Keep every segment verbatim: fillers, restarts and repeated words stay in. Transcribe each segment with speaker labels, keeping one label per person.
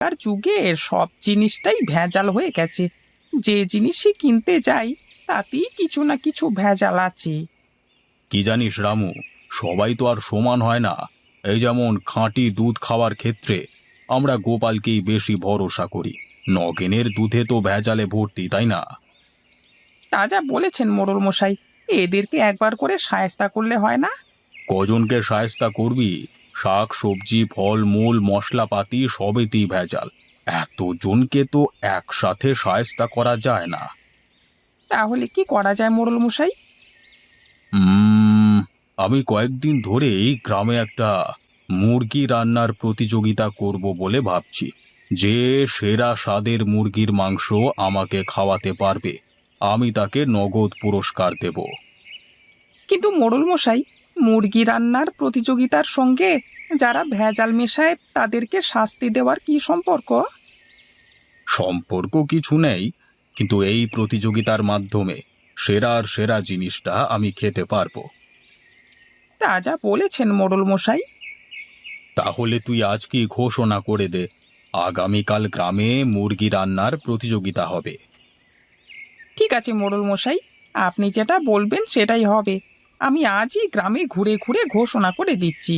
Speaker 1: আর যুগে সব জিনিসটাই ভেজাল হয়ে গেছে। যে জিনিসই কিনতে যাই তাতেই কিছু না কিছু ভেজাল আছে।
Speaker 2: কি জানিস রামু, সবাই তো আর সমান হয় না। এই যেমন খাঁটি দুধ খাওয়ার ক্ষেত্রে আমরা গোপালকেই বেশি ভরসা করি। নগেনের দুধে তো ভেজালে ভর্তি, তাই না?
Speaker 1: তা যা বলেছেন মোড়ল মশাই, এদেরকে একবার করে শায়েস্তা করলে হয় না?
Speaker 2: কজনকে শায়েস্তা করবি? শাক সবজি ফলমূল মশলাপাতি সবেতেই ভেজাল। এতজনকে তো একসাথে শায়েস্তা করা যায় না।
Speaker 1: তাহলে কি করা যায় মোড়ল মশাই?
Speaker 2: উম, আমি কয়েকদিন ধরেই গ্রামে একটা মুরগি রান্নার প্রতিযোগিতা করব বলে ভাবছি। যে সেরা স্বাদের মুরগির মাংস আমাকে খাওয়াতে পারবে, আমি তাকে নগদ পুরস্কার দেব।
Speaker 1: কিন্তু মোড়ল মশাই, মুরগি রান্নার প্রতিযোগিতার সঙ্গে যারা ভেজাল মেশায় তাদেরকে শাস্তি দেওয়ার কি সম্পর্ক?
Speaker 2: সম্পর্ক কিছু নেই, কিন্তু এই প্রতিযোগিতার মাধ্যমে সেরার সেরা জিনিসটা আমি খেতে পারবো।
Speaker 1: তা যা বলেছেন মোড়ল মশাই।
Speaker 2: তাহলে তুই আজকেই ঘোষণা করে দে, আগামীকাল গ্রামে মুরগি রান্নার প্রতিযোগিতা হবে।
Speaker 1: ঠিক আছে মোড়ল মশাই, আপনি যেটা বলবেন সেটাই হবে। আমি আজই গ্রামে ঘুরে ঘুরে ঘোষণা করে দিচ্ছি।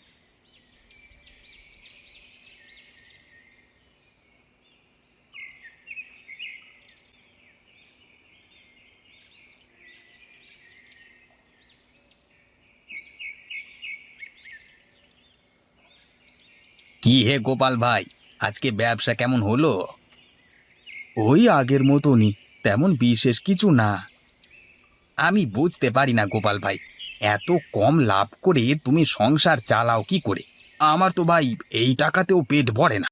Speaker 2: কি হে গোপাল ভাই, আজকে ব্যবসা কেমন হলো? ওই আগের মতনই, তেমন বিশেষ কিছু না। আমি বুঝতে পারি না গোপাল ভাই, এত কম লাভ করে তুমি সংসার চালাও কি করে? আমার তো ভাই এই টাকাতেও পেট ভরে না।